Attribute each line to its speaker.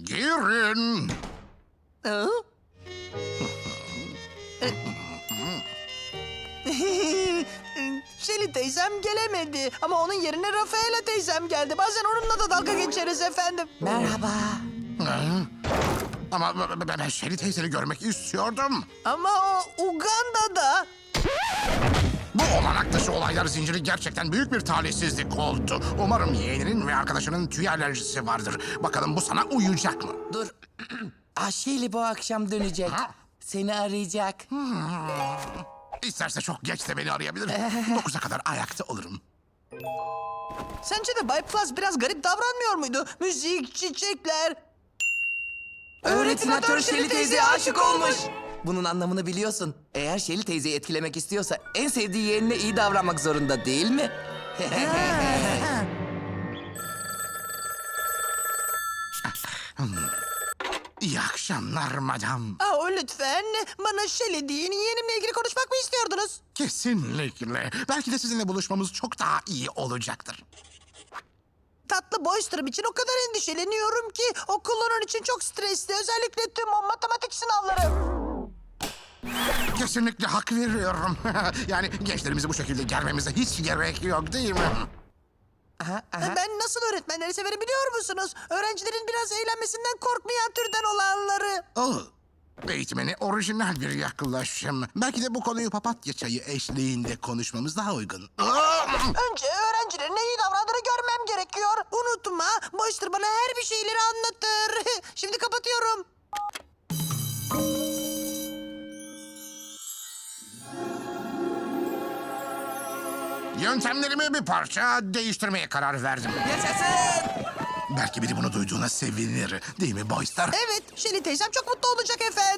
Speaker 1: Girin.
Speaker 2: Hı? Şeli teyzem gelemedi ama onun yerine Rafaela teyzem geldi. Bazen onunla da dalga geçeriz efendim.
Speaker 3: Merhaba.
Speaker 1: Ama ben Şeli teyzeni görmek istiyordum.
Speaker 2: Ama o Uganda'da.
Speaker 1: Bu olanak dışı olaylar zinciri gerçekten büyük bir talihsizlik oldu. Umarım yeğeninin ve arkadaşının tüy alerjisi vardır. Bakalım bu sana uyacak mı?
Speaker 3: Dur. Aşeli bu akşam dönecek.
Speaker 1: Ha?
Speaker 3: Seni arayacak.
Speaker 1: İsterse çok geç de beni arayabilir. 9'a kadar ayakta olurum.
Speaker 2: Sence de Bay Plus biraz garip davranmıyor muydu? Müzik, çiçekler.
Speaker 3: Öğretmenatör Şeli teyzeye aşık olmuş. Bunun anlamını biliyorsun. Eğer Şeli teyzeyi etkilemek istiyorsa en sevdiği yeğenine iyi davranmak zorunda değil mi?
Speaker 1: İyi akşamlar madam.
Speaker 2: Lütfen bana Şeli deyin. Yeğenimle ilgili konuşmak mı istiyordunuz?
Speaker 1: Kesinlikle. Belki de sizinle buluşmamız çok daha iyi olacaktır.
Speaker 2: Tatlı Boyster'ım için o kadar endişeleniyorum ki okul onun için çok stresli. Özellikle tüm o matematik sınavları.
Speaker 1: Kesinlikle hak veriyorum. Yani gençlerimizi bu şekilde germemize hiç gerek yok değil mi?
Speaker 2: Ben nasıl öğretmenleri severim biliyor musunuz? Öğrencilerin biraz eğlenmesinden korkmayan türden olanları.
Speaker 1: Oh, eğitmeni orijinal bir yaklaşım. Belki de bu konuyu papatya çayı eşliğinde konuşmamız daha uygun.
Speaker 2: Önce öğrencilerin iyi davrandığını görmem gerekiyor. Unutma, Boyster bana her bir şeyleri anlatır. Şimdi kapatıyorum.
Speaker 1: Yöntemlerimi bir parça değiştirmeye karar verdim.
Speaker 3: Yaşasın!
Speaker 1: Belki biri bunu duyduğuna sevinir. Değil mi Boyster?
Speaker 2: Evet, Şeli teyzem çok mutlu olacak efendim.